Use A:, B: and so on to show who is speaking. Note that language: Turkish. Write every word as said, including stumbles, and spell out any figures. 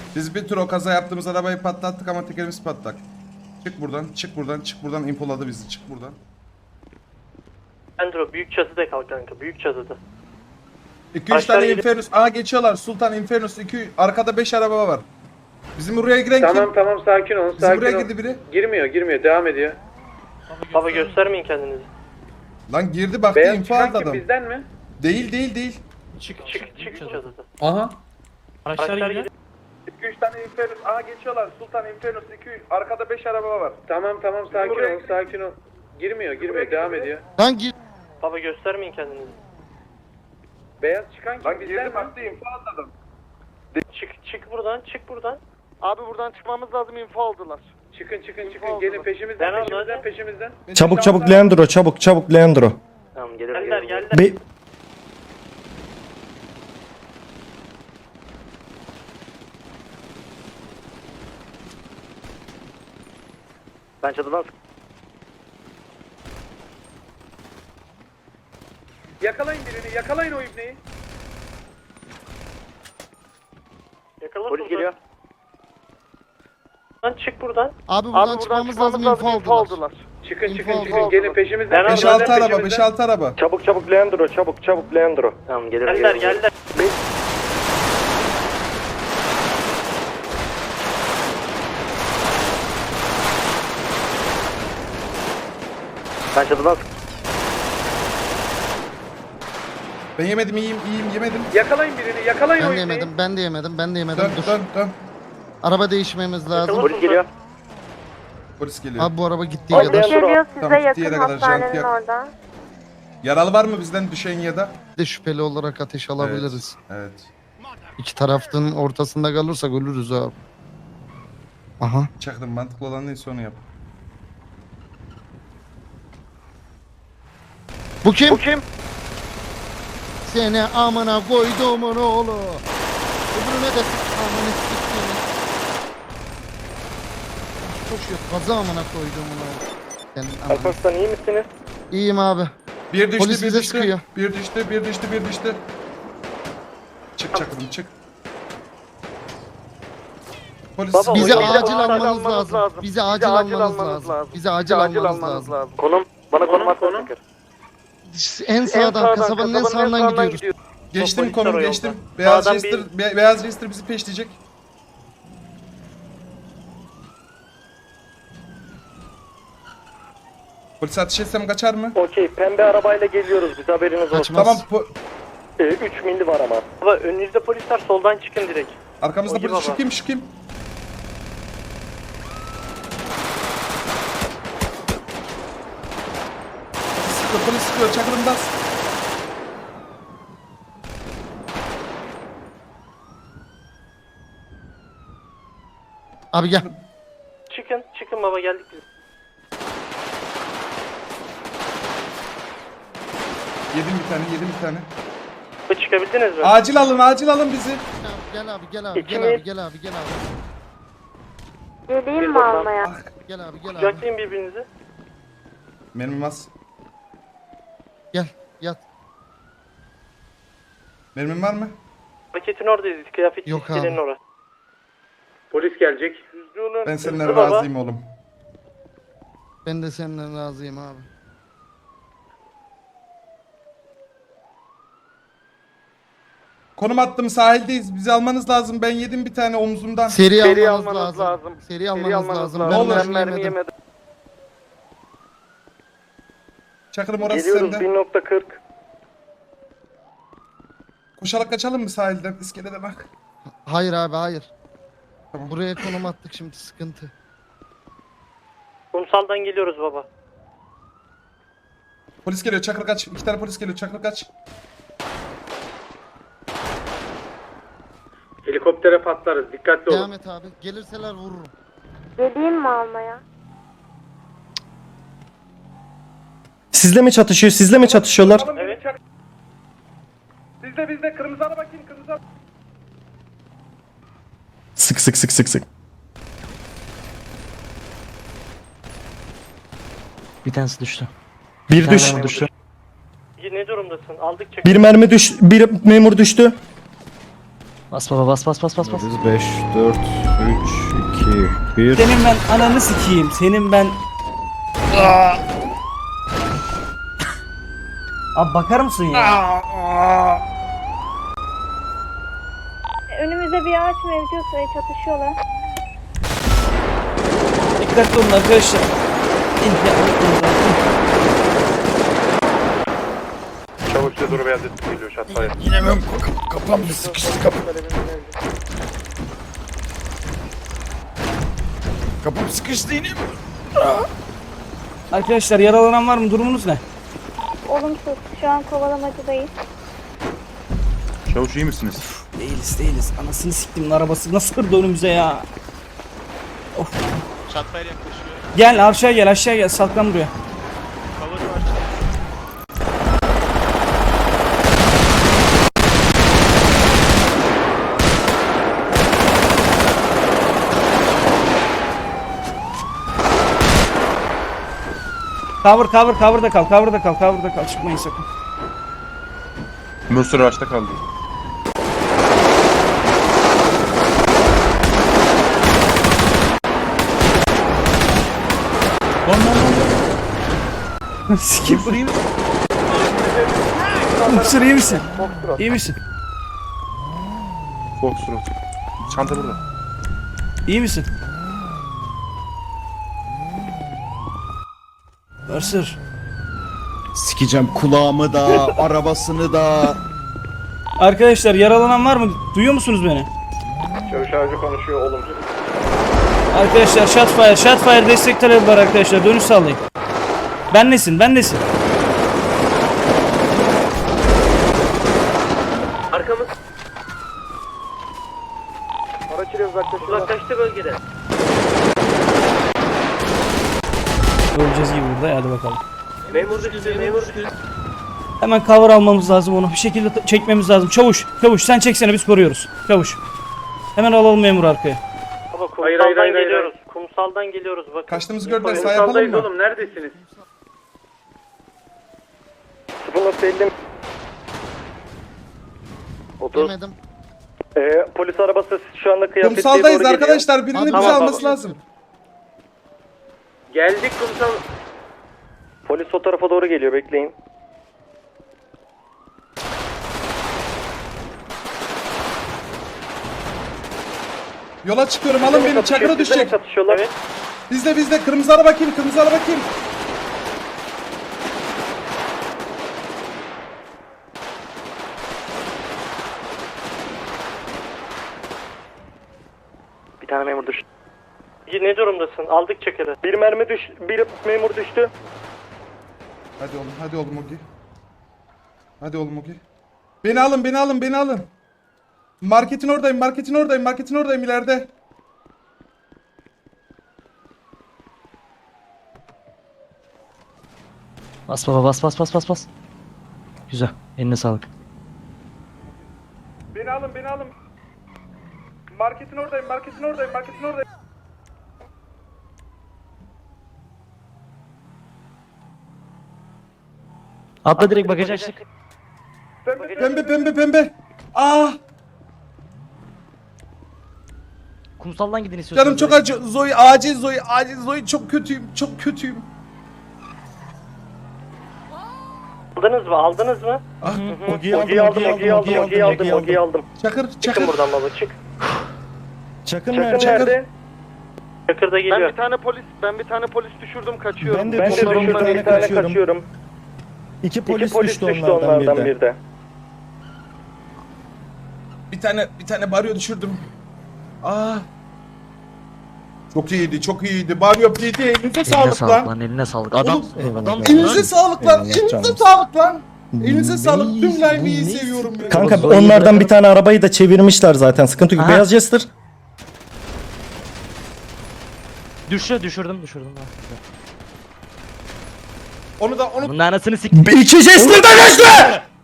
A: Biz bir tur o kaza yaptığımız arabayı patlattık ama tekerimiz patlak. Çık buradan, çık buradan, çık buradan, impoladı bizi, çık buradan.
B: Andro büyük çatıda kal kanka, büyük çatıda.
A: iki üç tane Infernus, aa geçiyorlar, Sultan Infernus, iki arkada beş araba var. Bizim buraya giren
C: Tamam
A: kim?
C: tamam sakin olun
A: Bizim
C: sakin
A: buraya
C: olun.
A: girdi biri.
C: Girmiyor girmiyor devam ediyor.
B: Baba göstermeyin kendinizi.
A: Lan girdi baktı,
C: Beyaz
A: info
C: çıkan
A: aldı
C: kim
A: adam.
C: bizden mi?
A: Değil değil değil.
B: Çık çık çık çatıda.
D: Aha.
B: Araçlar gidiyor.
A: iki üç tane Infernus, aa geçiyorlar, Sultan Infernus, iki arkada beş araba var.
C: Tamam tamam sakin
A: buraya
C: olun sakin ol. Girmiyor girmiyor devam ediyor.
E: Lan gir.
B: Baba göstermeyin kendinizi.
C: Beyaz çıkan kim
A: Lan
C: bizden
A: girdi
C: mi?
A: baktı, info aldı adam.
B: Çık çık buradan, çık buradan.
F: Abi buradan çıkmamız lazım, info aldılar.
C: Çıkın çıkın
F: İnfo
C: çıkın
F: aldı
C: gelin
F: mı?
C: peşimizden
B: Ben
C: peşimizden
B: orada.
C: peşimizden.
D: Çabuk çabuk Leandro, çabuk çabuk Leandro.
B: Tamam gelir geldiler geldiler.
D: Be
B: Ben çatıdan
C: Yakalayın birini yakalayın o ibneyi.
B: yakala. Polis geliyor. Lan çık buradan.
E: Abi buradan,
F: Abi buradan
E: çıkmamız lazım, info aldılar.
F: aldılar.
C: Çıkın
E: İnfo
C: çıkın
E: aldı,
C: çıkın
E: aldı.
C: gelin peşimizden.
B: Ben
A: beş
B: orada,
A: altı araba, beş altı araba.
B: Çabuk çabuk Leandro, çabuk çabuk Leandro. Tamam gelir geldiler geldiler. Ben çatıdan
A: Ben yemedim, iyiyim, iyiyim, yemedim.
C: Yakalayın birini yakalayın
E: Ben
C: o
E: de
C: ibneyi.
E: yemedim, ben de yemedim, ben de yemedim.
A: Dön,
E: Dur.
A: dön, dön.
E: Araba değişmemiz lazım.
B: Polis geliyor.
A: Polis geliyor.
E: Abi bu araba gittiği
B: Abi,
E: kadar.
G: Geliyor size
A: Tamam, gittiği yere
G: yakın
A: kadar
G: hastanenin
A: janti
G: orada.
A: Yaralı var mı bizden düşen ya da?
E: Bir de şüpheli olarak ateş alabiliriz.
A: Evet.
E: İki tarafın ortasında kalırsak ölürüz abi. Aha.
A: Çaktım, mantıklı olan neyse onu yap.
E: Bu kim?
B: Bu kim?
E: Seni amına koyduğumun oğlu. Öbürüne de amına siktiğini. Koşuyor. Kaza amına koyduğumun oğlu. Senin amına.
B: Alparslan iyi misiniz?
E: İyiyim abi.
A: Bir düştü,
E: Polis
A: bir
E: bize
A: düştü.
E: sıkıyor.
A: Bir düştü, bir düştü, bir düştü. Çık çakırım, çık. Polis
B: Baba,
E: Bizi
B: Bizi
E: acil
B: acil
E: almanız
F: almanız
E: lazım.
F: lazım.
E: Bizi acil almanız lazım. Bizi acil almanız lazım.
B: Konum. Bana konum
C: Konum,
B: at
C: konum.
B: konum.
E: En sağdan, kasabanın en sağından gidiyoruz.
A: geçtim,
B: Polisler
A: konum
B: o yolda.
A: geçtim. Beyaz
B: Sağdan
A: Jester, be- Beyaz Jester bizi peşleyecek. Polis ateş etsem kaçar mı?
B: Okey, pembe arabayla geliyoruz biz, haberiniz olsun.
E: Kaçmaz.
A: Tamam, po-
B: Ee, üç milli var ama. Baba önünüzde polisler, soldan çıkın direkt.
A: arkamızda
B: Ogi
A: polis. Şu
B: baba.
A: kim, şu kim? Polis sıkıyor, polis sıkıyor, çakırım bas.
E: Abi gel.
B: Çıkın, çıkın baba, geldik biz.
A: Yedim bir tane, yedim bir tane.
B: Baba, çıkabildiniz mi?
A: Acil alın, acil alın bizi.
E: Gel abi, gel abi,
B: İki
E: gel
B: mi?
E: abi, gel abi, gel abi.
G: Geleyim mi almaya?
E: Gel abi, gel abi.
B: Kucaklayın birbirinizi.
A: Mermim az.
E: Gel, yat.
A: Mermim var mı?
B: Paketin oradayız, kıyafet
E: Yok
B: çizgilerinin
E: abi.
B: orası.
C: Polis gelecek.
B: Hızlı olun.
A: Ben
B: hızlı
A: senden
B: baba.
A: razıyım oğlum.
E: Ben de senden razıyım abi.
A: Konum attım, sahildeyiz. Bizi almanız lazım. Ben yedim bir tane omzumdan.
E: Seri,
F: Seri
E: almanız,
F: almanız
E: lazım.
F: lazım.
E: Seri almanız lazım.
A: Ne
E: Ben
A: olur.
E: mermi
F: mermi
E: yemedim.
F: yemedim.
A: Çakırım orası
B: Geliyoruz,
A: sende.
B: bir nokta kırk.
A: Koşarak kaçalım mı sahilden? İskelede bak.
E: Hayır abi, hayır.
A: Tamam.
E: Buraya konum attık, şimdi sıkıntı.
B: Kumsaldan geliyoruz baba.
A: Polis geliyor, Çakır kaç. İki tane polis geliyor, Çakır kaç.
C: Helikoptere patlarız dikkatli olun.
E: Devam et abi. Gelirseler vururum.
G: Geleyim mi almaya?
D: sizle mi çatışıyor? Sizle mi çatışıyorlar?
B: Evet.
A: Bizde bizde kırmızı araba kim? Kırmızı araba.
D: Sık sık sık sık sık.
H: Bir tanesi düştü.
D: Bir
H: Bir
D: düş.
H: tane düştü.
B: Ne durumdasın? Aldık çek.
D: Bir mermi düş. Bir memur düştü.
H: Bas baba bas bas bas bas bas.
D: beş, dört, üç, iki, bir.
I: Senin ben ananı sikeyim. Senin ben... Abi bakar mısın ya?
G: Önümüzde bir araç mevcut ve çatışıyorlar.
I: Dikkatli olun arkadaşlar. İn ya.
C: Çavuş size doğru beyaz etki geliyor şatfaya.
A: Yine ben kapam sıkıştı kapı. Kapım sıkıştı yine.
I: Arkadaşlar yaralanan var mı? Durumunuz ne?
G: Olumsuz. Şu an kovalamacadayız.
A: Çavuş iyi misiniz?
I: Değiliz değiliz. Anasını siktimin arabası nasıl kırdı önümüze ya? Of.
F: Çatfaya yaklaşıyor.
I: Gel aşağı gel aşağı gel saklan buraya.
F: Cover var.
I: Cover cover cover'da kal cover'da kal cover'da kal çıkmayın sakın.
A: Mürsür ağaçta kaldı.
I: Sikim burayı mı? Mısır iyi misin? İyi misin?
A: Foxtrot. Çanta burada.
I: İyi misin? Mısır.
J: Sikeceğim kulağımı da, arabasını da.
I: Arkadaşlar yaralanan var mı? Duyuyor musunuz beni?
B: Çavuş avcı konuşuyor olumsuz.
I: Arkadaşlar shotfire, shotfire destek talebi var arkadaşlar. Dönüş sağlayın. Ben nesin? Ben nesin?
B: Arkamız. Araç ile uzaklaşıyor. Uzaklaştı bölgede.
I: Öleceğiz gibi burada. Hadi bakalım.
B: Memur düştü, memur düştü.
I: Hemen cover almamız lazım onu. Bir şekilde t- çekmemiz lazım. Çavuş, çavuş sen çeksene biz koruyoruz. Çavuş. Hemen alalım memur arkaya.
B: Baba kumsaldan
C: Hayır, hayır, hayır,
B: geliyoruz. Kumsaldan geliyoruz bakın.
A: Kaçtığımızı gördüler. Sağ yapalım
C: Kumsaldayız
A: mı?
C: oğlum neredesiniz?
B: sıfır nokta elli. otuz.
E: Yemedim.
B: Ee, polis arabası şu anda kıyafetliye
A: Kumsaldayız
B: doğru geliyor.
A: arkadaşlar. Birinin
E: Tamam,
A: bizi
B: tamam.
A: alması lazım.
C: Geldik kumsal.
B: Polis o tarafa doğru geliyor bekleyin.
A: Yola çıkıyorum. Alın beni. Çakıra düşecek.
B: Çatışıyorlar. Evet.
A: Bizde bizde. Kırmızı araba kim? Kırmızı araba kim?
B: Bir tane memur düştü. Ne durumdasın? Aldık çakırı. Bir mermi düş, bir memur düştü.
A: Hadi oğlum. Hadi oğlum Ogi. Hadi oğlum Ogi. Beni alın. Beni alın. Beni alın. Marketin oradayım. Marketin oradayım. Marketin oradayım ileride.
H: Bas baba bas bas bas bas bas. Güzel. Eline sağlık.
A: Beni alın. Beni alın. Marketin oradayım. Marketin oradayım. Marketin oradayım.
H: Atla direkt bagajı açtık.
A: Pembe pembe pembe. Ah.
H: Kumsaldan gidin istiyorsanız.
A: Canım çok acı. Zoe acil Zoe. Acil Zoe çok kötüyüm. Çok kötüyüm.
B: Aldınız mı? Aldınız mı?
A: Ah.
J: Ogi'yi
B: Ogi'yi aldım, Ogi'yi aldım, Ogi'yi aldım, Ogi'yi aldım.
A: Çakır
B: Çıkın
A: çakır.
B: buradan baba, çık.
J: Çakın
B: Çakır
J: nerede?
B: nerede? Çakır da
F: Ben
B: geliyor.
F: bir tane polis, ben bir tane polis düşürdüm, kaçıyorum.
J: Ben de
B: Ben de
J: düşürdüm,
B: düşürdüm,
J: bir
B: bir
J: tane
B: tane
J: kaçıyorum.
B: kaçıyorum.
J: İki
B: İki
J: polis,
B: polis
J: düştü,
B: düştü
J: onlardan,
B: onlardan
J: bir de.
B: bir de.
A: Bir tane bir tane baryo düşürdüm. Aa. Çok iyiydi, çok iyiydi. Baryo P D elinize
H: Eline
A: sağlık
H: sağlık
A: lan.
H: lan eline sağlık. Adam.
A: Oğlum,
H: Adam.
A: Elinize sağlık lan.
J: Eyvallah
A: Elinize
J: canım.
A: sağlık lan. Elinize sağlık. Tüm live'yi seviyorum ya.
D: Kanka
J: Zoe'yi
D: onlardan
J: bırakalım.
D: bir tane arabayı da çevirmişler zaten. Sıkıntı yok.
H: Aha.
D: Beyaz Jester.
H: Düşüyor düşürdüm düşürdüm.
A: Onu da onu
H: Bunun anasını sik.
D: İki Jester'da geçti.